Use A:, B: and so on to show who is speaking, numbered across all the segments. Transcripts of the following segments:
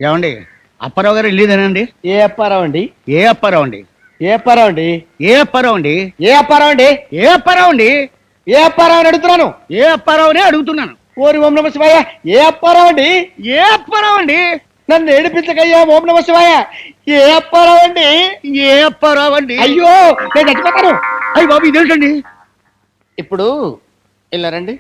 A: ఏమండి అప్పారావు గారు వెళ్ళేదేనండి?
B: ఏ అప్పారావు అండి?
A: ఏ అప్పారావు అండి?
B: ఏ అప్పారావు అండి?
A: ఏ అప్పారావు అండి?
B: ఏ అప్పారావు అండి?
A: ఏ అప్పారావు అండి?
B: ఏ అప్పారావు అని అడుగుతున్నాను.
A: ఏ అప్పారావునే అడుగుతున్నాను.
B: ఓరి ఓం నమ శివాయ. ఏ అప్పారావు అండి?
A: ఏ అప్పారావు అండి?
B: నన్ను ఏడిపించకయ్యా ఓం నమ శివాయ. ఏ అప్పారావు అండి?
A: ఏ అప్పారావు అండి?
B: అయ్యో నేను చచ్చిపోతాను.
A: అయ్యి బాబు ఇదేంటండి?
B: ఇప్పుడు వెళ్ళారండి.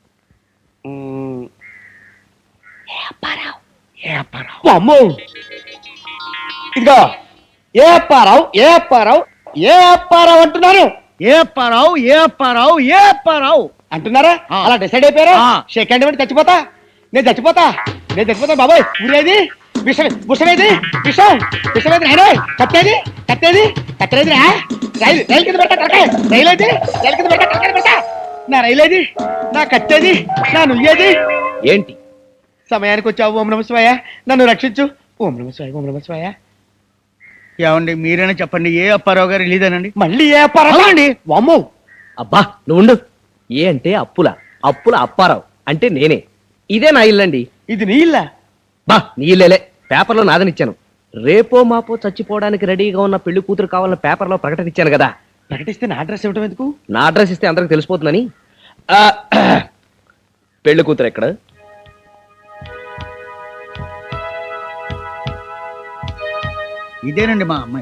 A: ఏ అప్పారావు?
B: అమ్మో ఇదిగో ఏ అప్పారావు ఏ అప్పారావు ఏ అప్పారావు అంటున్నాను.
A: ఏ అప్పారావు? ఏ అప్పారావు? ఏ అప్పారావు
B: అంటున్నారా? అలా డిసైడ్ అయిపోయారా?
A: ఆ.
B: సెకండ్ ఇవ్వండి. నేను చచ్చిపోతా బాబాయ్. ఊరేది విషమేది విషమేది కట్టేది రైలు కింద పెట్టా రైలు అయితే రైలు కింద పెట్టా నా రైలు ఏది, నా కట్టేది, నా నుయ్యేది.
C: ఏంటి
B: సమయానికి వచ్చావు ఓం నమ శివాయ. నన్ను రక్షించు ఓం నమ శివాయ ఓం నమ శివాయ.
A: ఏమండి మీరైనా చెప్పండి. ఏ అప్పారావు గారు వెళ్ళేదేనండి?
B: మళ్ళీ ఏ అప్పారావు అండి? వామ్మో
C: అబ్బా నువ్వు ఉండు. ఏ అంటే అప్పుల అప్పారావు అంటే నేనే. ఇదే నా ఇల్లండి.
B: ఇది నీ ఇల్లా?
C: బా నీ ఇల్లేలే, పేపర్లో నాదనిచ్చాను. రేపో మాపో చచ్చిపోవడానికి రెడీగా ఉన్న పెళ్లి కూతురు కావాలని పేపర్లో ప్రకటన ఇచ్చాను కదా.
B: ప్రకటిస్తే నా అడ్రస్ ఇవ్వటం ఎందుకు?
C: నా అడ్రస్ ఇస్తే అందరికి తెలిసిపోతుందని. పెళ్లి కూతురు ఎక్కడ?
A: ఇదేనండి మా అమ్మాయి.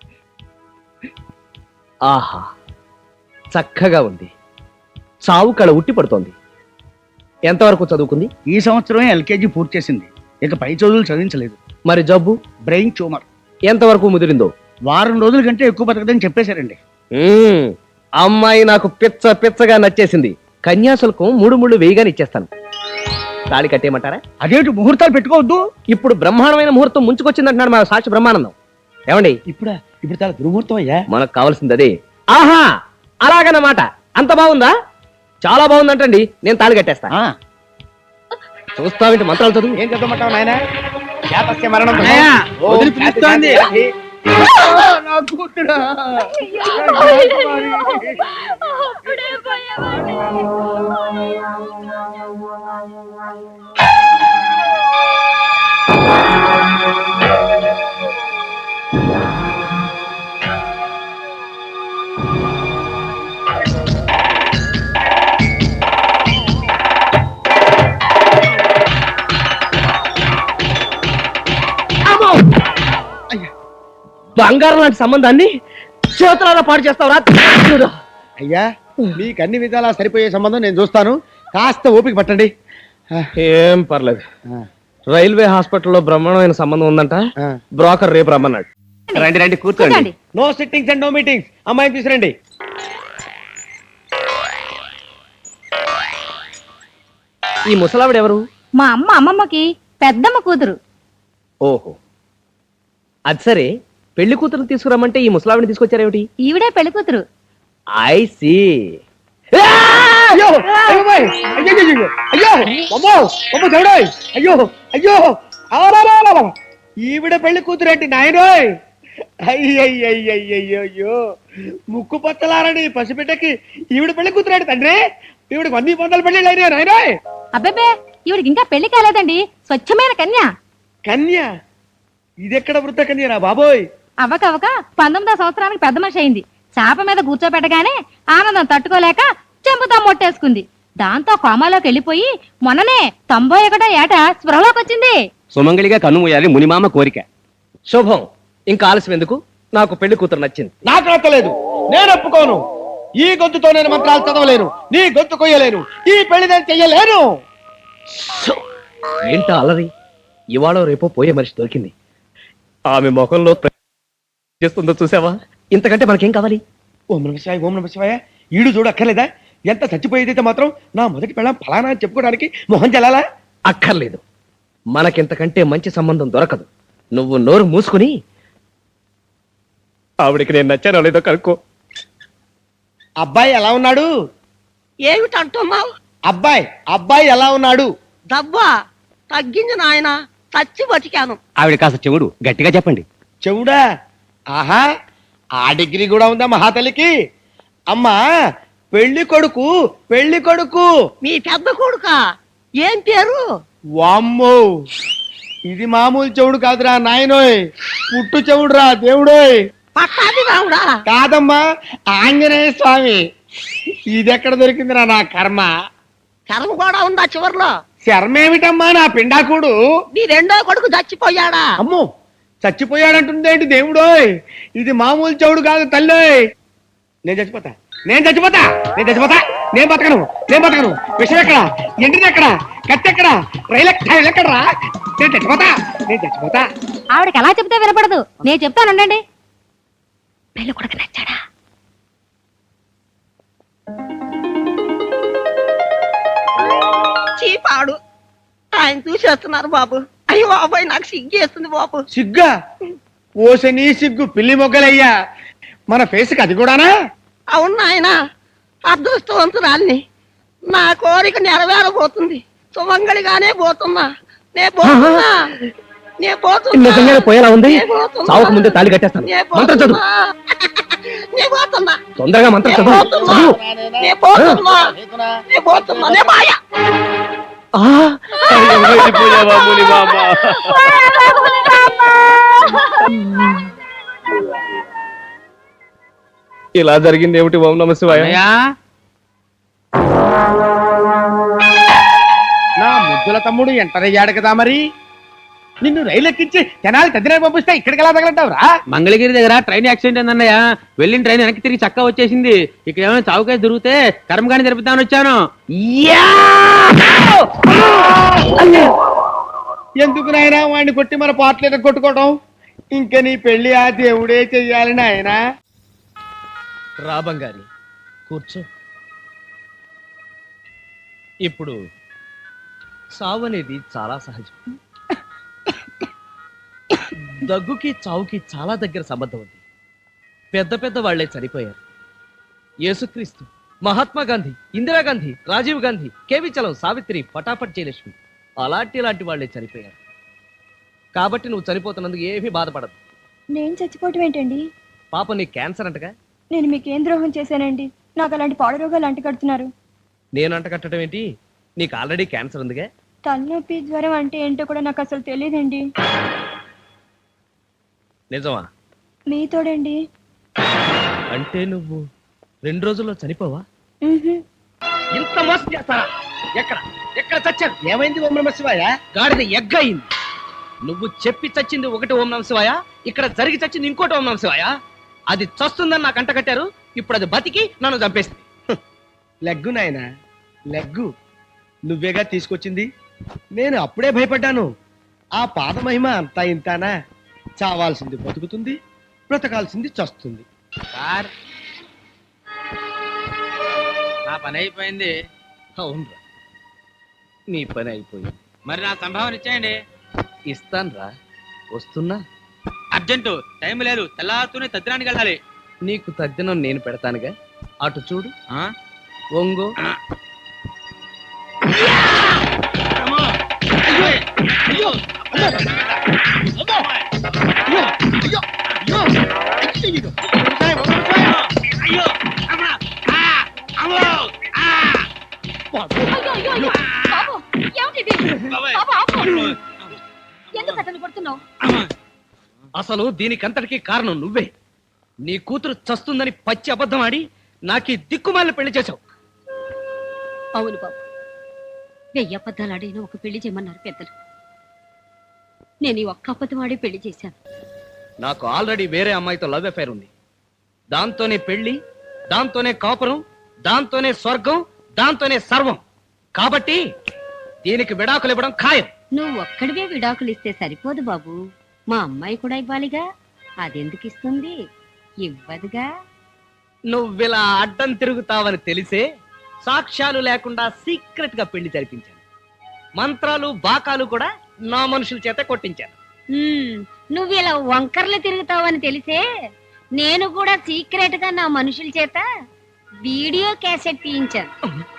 C: ఆహా చక్కగా ఉంది. చావు కళ ఉట్టి పడుతోంది. ఎంతవరకు చదువుకుంది?
A: ఈ సంవత్సరమే ఎల్కేజీ పూర్తి చేసింది. ఇక పై చదువులు చదివించలేదు.
C: మరి జబ్బు?
A: Brain tumour.
C: ఎంతవరకు ముదిరిందో?
A: వారం రోజుల కంటే ఎక్కువ బతకదని చెప్పేశారండి.
C: అమ్మాయి నాకు పిచ్చగా నచ్చేసింది. కన్యాశుల్కం 3 ముళ్ళు వేయగానే ఇచ్చేస్తాను. తాళి కట్టేయమంటారా?
A: అదేంటి ముహూర్తాలు పెట్టుకోవద్దు?
C: ఇప్పుడు బ్రహ్మాండమైన ముహూర్తం ముంచుకొచ్చిందంటున్నాడు మా సాక్షి బ్రహ్మానందం. ఏమండి
B: ఇప్పుడు చాలా దుర్ముహూర్తం అయ్యా.
C: మనకు కావాల్సింది అదే. ఆహా అలాగన్నమాట. అంత బాగుందా? చాలా బాగుందంటండి. నేను తాళి కట్టేస్తా. చూస్తావేంటి మంత్రాలు చదువు.
B: ఏం చదవమంటావు నాయన? జాతస్య మరణం
A: నాయనా,
B: ఓం
A: వదిలి పిలుస్తోంది.
B: శాంతి.
A: నా కూతురా.
C: బంగారం లాంటి సంబంధాన్ని చేతులారా పాడు చేస్తావురా.
B: అయ్యా మీకు అన్ని విధాలా సరిపోయే సంబంధం నేను చూస్తాను. కాస్త ఓపిక పట్టండి.
C: ఏం పర్లేదు. రైల్వే హాస్పిటల్లో బ్రహ్మాండమైన సంబంధం ఉందంట. బ్రోకర్ రేపు రమ్మన్నాడు. రండి కూర్చోండి.
B: No sittings and no meetings. అమ్మాయిని తీసుకురండి.
C: ఈ ముసలావిడ ఎవరు?
D: మా అమ్మమ్మకి పెద్దమ్మ కూతురు.
C: ఓహో అది సరే. పెళ్లి కూతురు తీసుకురమ్మంటే ఈ ముసలావిడిని తీసుకొచ్చారేమిటి?
D: ఈవిడే పెళ్లి కూతురు.
C: I see.
B: అయ్యో అయ్యోయ్! అయ్యో అయ్యో అమ్మో అమ్మో దేవుడోయ్! అయ్యో అవరాలా! ఈవిడ పెళ్లి కూతురేంటి నాయనోయ్? అయ్యయ్యో ముక్కు పచ్చలారని పసిబిడ్డకి ఈవిడ పెళ్లి కూతురేంటి తండ్రి? ఈవిడికి 100 పెళ్లి అయినా నాయనోయ్.
D: అబ్బేబే ఈవిడికి ఇంకా పెళ్లి కాలేదండి. స్వచ్ఛమైన కన్య.
B: కన్య? ఇదెక్కడ వృద్ధ కన్యరా బాబోయ్?
D: అవ్వకవ్వక 19వ సంవత్సరానికి పెద్ద మనిషి అయింది. చాప మీద కూర్చోబెట్టగానే ఆనందం తట్టుకోలేక చెంపుతా మొట్టేసుకుంది. దాంతో కోమాలోకి వెళ్ళిపోయి మొన్ననే 91వ ఏట స్పృహలోకి వచ్చింది.
C: సుమంగళిగా కన్ను మూయాలి మునిమామ కోరిక. శుభం. ఇంకా ఆలస్యం ఎందుకు? నాకు పెళ్లి కూతురు నచ్చింది.
B: నాకు నచ్చలేదు. నేను ఒప్పుకోను. ఈ గొంతుతో నేను మంత్రాలు చదవలేను. నీ గొంతు కొయ్యలేను. ఈ పెళ్లి నేను చెయ్యలేను.
C: ఏంటా అలరి? ఇవాళ రేపో పోయే మనిషి దొరికింది. ఆమె ముఖంలో చేస్తుందో చూసావా? ఇంతకంటే మనకేం కావాలి?
B: ఓం నమ శివాయ. ఈడు చూడు అక్కర్లేదా? ఎంత చచ్చిపోయేదైతే మాత్రం నా మొదటి పెళ్ళం ఫలానా అని చెప్పుకోవడానికి మొహం చెల్లాలా?
C: అక్కర్లేదు. మనకింతకంటే మంచి సంబంధం దొరకదు. నువ్వు నోరు మూసుకుని ఆవిడికి నేను నచ్చానో లేదో కనుక్కో.
B: అబ్బాయి ఎలా ఉన్నాడు?
E: ఏమిటంటున్నావు?
B: అబ్బాయి ఎలా ఉన్నాడు?
E: దవ్వా తగ్గింది నాయన. చచ్చి బతికాను.
C: ఆవిడ కాస్త చెవుడు గట్టిగా చెప్పండి.
B: చెవుడా? ఆహా ఆ డిగ్రీ కూడా ఉందా మహాతల్లికి? అమ్మా పెళ్లి కొడుకు
E: మీ పెద్ద కొడుకా? ఏం పేరు?
B: వామ్మో ఇది మామూలు చెవుడు కాదురా నాయనోయ్, పుట్టు చెవుడురా దేవుడోయ్.
E: పట్టాది రావుడా.
B: కాదమ్మా, ఆంజనేయ స్వామి. ఇదెక్కడ దొరికిందిరా నా కర్మ?
E: కర్మ కూడా ఉందా చివర్లో?
B: శర్మేమిటమ్మా నా పిండాకుడు?
E: నీ రెండో కొడుకు చచ్చిపోయాడా?
B: అమ్మో, చచ్చిపోయాడంటుందేంటి దేవుడోయ్? ఇది మామూలు చెవుడు కాదు తల్లోయ్. నేను చచ్చిపోతా, నేను చచ్చిపోతా, నేను చచ్చిపోతా, నేను బతకను, నేను బతకను. విషయం ఎక్కడ, ఎండిది ఎక్కడ, కత్తి ఎక్కడ, రైలు ఎక్కడరా? నేను చచ్చిపోతా, నేను చచ్చిపోతా.
D: ఆవిడకి ఎలా చెప్తే వినపడదు, నేను చెప్తానండి. పెళ్ళి కొడుకు నచ్చాడా?
E: చీపాడు ఆయన చూసేస్తున్నారు బాబు. అయ్యో బాబాయ్, నాకు సిగ్గేస్తుంది బాబు.
B: సిగ్గా? ఓసని సిగ్గు పిల్లి మొగ్గలయ్యా, మన ఫేస్కి అది కూడానా?
E: అవును నాయన, అదృష్టవంతురాల్ని. నా కోరిక నెరవేరబోతుంది. సుమంగళిగానే పోతున్నా, నే పోతున్నా, నే పోతున్నా.
C: నిజంగానే పోయేలా ఉంది.
E: నే పోతున్నా.
C: చావక ముందే తాళి కట్టేస్తాను.
E: నే
C: మంత్రం చదువు.
E: పోతున్నా. నే పోతున్నా.
C: తొందరగా మంత్రం
E: నే
C: చదువు.
E: పోతున్నా.
C: చదువు.
E: నే పోతున్నా. నే పోతున్నా. నే మాయ.
C: ఆ,
A: వెళ్ళిపోయావా ముని మామ?
C: ఇలా జరిగింది ఏమిటి? ఓం నమ శివాయ.
A: అన్నయ్య,
B: నా ముద్దుల తమ్ముడు ఎంటర్ అయ్యాడు కదా మరి. నిన్ను రైలు ఎక్కించి జనాలు తదిన పంపిస్తే ఇక్కడికి ఎలా తగలంటావురా?
F: మంగళగిరి దగ్గర ట్రైన్ యాక్సిడెంట్ అయిందన్నయ్య. వెళ్ళిన ట్రైన్ వెనక్కి తిరిగి చక్క వచ్చేసింది. ఇక్కడ ఏమైనా చౌకేసి దొరికితే కర్మగాని జరుపుతామని వచ్చాను.
B: ఎందుకు నాయనా వాడిని కొట్టి మన పాటలు కొట్టుకోవడం? ఇంకా నీ పెళ్లి ఆ దేవుడే చెయ్యాలి నాయనా.
C: రా బంగారి, కూర్చో. ఇప్పుడు సావు అనేది చాలా సహజం. దగ్గుకి చావుకి చాలా దగ్గర సంబంధం ఉంది. పెద్ద పెద్ద వాళ్లే చనిపోయారు. యేసుక్రీస్తు, మహాత్మా గాంధీ, ఇందిరాగాంధీ, రాజీవ్ గాంధీ, కేవి చలం, సావిత్రి, పటాపట్ జయలక్ష్మి అలాంటి వాళ్లే చనిపోయారు. కాబట్టి నువ్వు చనిపోతున్నందుకు ఏమీ బాధపడదు.
G: నేను చచ్చిపోవటం ఏంటండి?
C: పాపం నీ క్యాన్సర్ అంటగా.
G: నేను మీకేం ద్రోహం చేశానండి? నాకు అలాంటి పాడు రోగాలు అంటగడుతున్నారు.
C: నేను అంటకట్టడం ఏంటి? నీకు ఆల్రెడీ క్యాన్సర్ ఉందిగా.
G: తలనొప్పి, జ్వరం అంటే ఏంటో కూడా నాకు అసలు తెలియదండి.
C: నిజమా?
G: మీతోడండి.
C: అంటే నువ్వు 2 రోజుల్లో చనిపోవా?
G: ఉహుం.
B: ఇంత మోసం చేస్తారా? ఎక్కడ ఎక్కడ చచ్చారు? ఏమైంది ఓం నమ శివాయ?
C: గాడిద ఎగ్గయింది. నువ్వు చెప్పి చచ్చింది ఒకటి ఓం నమ శివాయ, ఇక్కడ జరిగి చచ్చింది ఇంకోటి ఓం నమ శివాయ. అది చస్తుందని నాకు అంట కట్టారు, ఇప్పుడు అది బతికి నన్ను చంపేస్తుంది.
B: లెగ్గు నాయనా, లెగ్గు. నువ్వేగా తీసుకొచ్చింది. నేను అప్పుడే భయపడ్డాను. ఆ పాద మహిమ అంతా ఇంతానా? చావాల్సింది బతుకుతుంది, బ్రతకాల్సింది చస్తుంది.
F: సార్, నా పని అయిపోయింది.
C: అవునరా, నీ పని అయిపోయింది.
F: మరి నా సంభావన ఇచ్చేయండి.
C: ఇస్తాన్రా, వస్తున్నా.
F: అర్జెంటు, టైం లేదు. తెల్లారుతూనే తద్దినానికి వెళ్ళాలి.
C: నీకు తద్దినం నేను పెడతానుగా. అటు చూడు,
F: ఆ?
C: ఒంగో.
D: ఎందుకు అతను కొడుతున్నావు?
C: అసలు దీనికంతటికి కారణం నువ్వే. నీ కూతురు చస్తుందని పచ్చి అబద్ధం ఆడి నాకీ దిక్కుమాలిన పెళ్లి చేశావు.
D: అవును బాబు, 1000 అబద్ధాలు ఆడిన ఒక పెళ్లి చేయమన్నారు పెద్దలు. నేను ఈ ఒక్క అబద్ధం ఆడి పెళ్లి చేశాను.
C: నాకు ఆల్రెడీ వేరే అమ్మాయితో లవ్ అఫైర్ ఉంది. దాంతోనే పెళ్లి, దాంతోనే కాపురం, దాంతోనే స్వర్గం, దాంతోనే సర్వం. కాబట్టి దీనికి విడాకులు ఇవ్వడం ఖాయం.
D: నువ్వు ఒక్కడివే విడాకులు ఇస్తే సరిపోదు బాబు, మా అమ్మాయి కూడా ఇవ్వాలిగా. అదెందుకు ఇస్తుంది? ఇవ్వదుగా.
C: నువ్విలా అడ్డం తిరుగుతావని తెలిసే సాక్ష్యాలు లేకుండా సీక్రెట్ గా పెళ్లి జరిపించాను. మంత్రాలు బాకాలు కూడా నా మనుషుల చేత కొట్టించాను.
D: నువ్వు ఇలా వంకర్లు తిరుగుతావని తెలిసే నేను కూడా సీక్రెట్ గా నా మనుషుల చేత వీడియో క్యాసెట్ తీయించాను.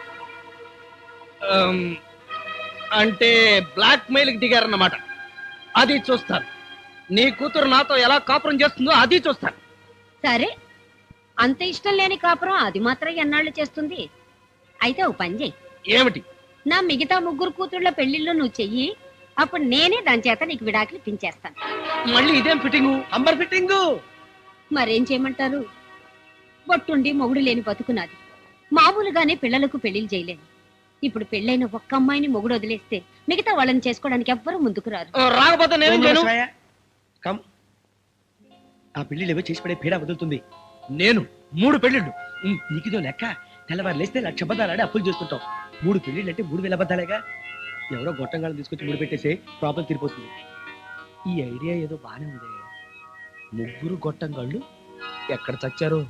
C: అంటే బ్లాక్ మెయిల్ కి దిగారన్నమాట. అది చూస్తాను. నీ కూతురు నాతో ఎలా కాపురం చేస్తుందో అది చూస్తాను.
D: సరే, అంత ఇష్టం లేని కాపురం అది మాత్రం ఎన్నాళ్ళు చేస్తుంది? అయితే ఓ పని చెయ్యి.
C: ఏమిటి?
D: నా మిగతా 3 కూతుళ్ళ పెళ్లిళ్ళు నువ్వు చెయ్యి,
H: అప్పుడు నేనే దాని చేత నీకు విడాకులు పించేస్తాను.
C: మళ్ళీ ఇదేం ఫిట్టింగు, అంబర్ ఫిట్టింగు?
H: మరేం చేయమంటారు? బొట్టుండి మొగుడు లేని బతుకున్నది. మామూలుగానే పిల్లలకు పెళ్లిళ్ళు చేయలేను. ఇప్పుడు పెళ్ళైన ఒక్క అమ్మాయిని మొగుడు వదిలేస్తే మిగతా వాళ్ళని చేసుకోవడానికి ఎవ్వరూ ముందుకు రారు.
C: రాకపోతే నేనేం చేయను?
B: శివయ్య, కమ్. ఆ పెళ్లిళ్ళు ఏవో చేసి పడే పీడ వదులుతుంది.
C: నేను 3 పెళ్ళిళ్ళు.
B: నీకిదో లెక్క. తెల్లవారు లేస్తే 1,00,000 అబద్ధాలాడి అప్పులు చేస్తుంటాం. 3 పెళ్లిళ్ళు అంటే 3,000 అబద్ధాలేగా. ఎవరో గొట్టంగాలను తీసుకొచ్చి ముడి పెట్టేసి ప్రాబ్లం తీరిపోతుంది. ఈ ఐడియా ఏదో బానే ఉంది.
C: 3 గొట్టంగాళ్ళు ఎక్కడ చచ్చారు?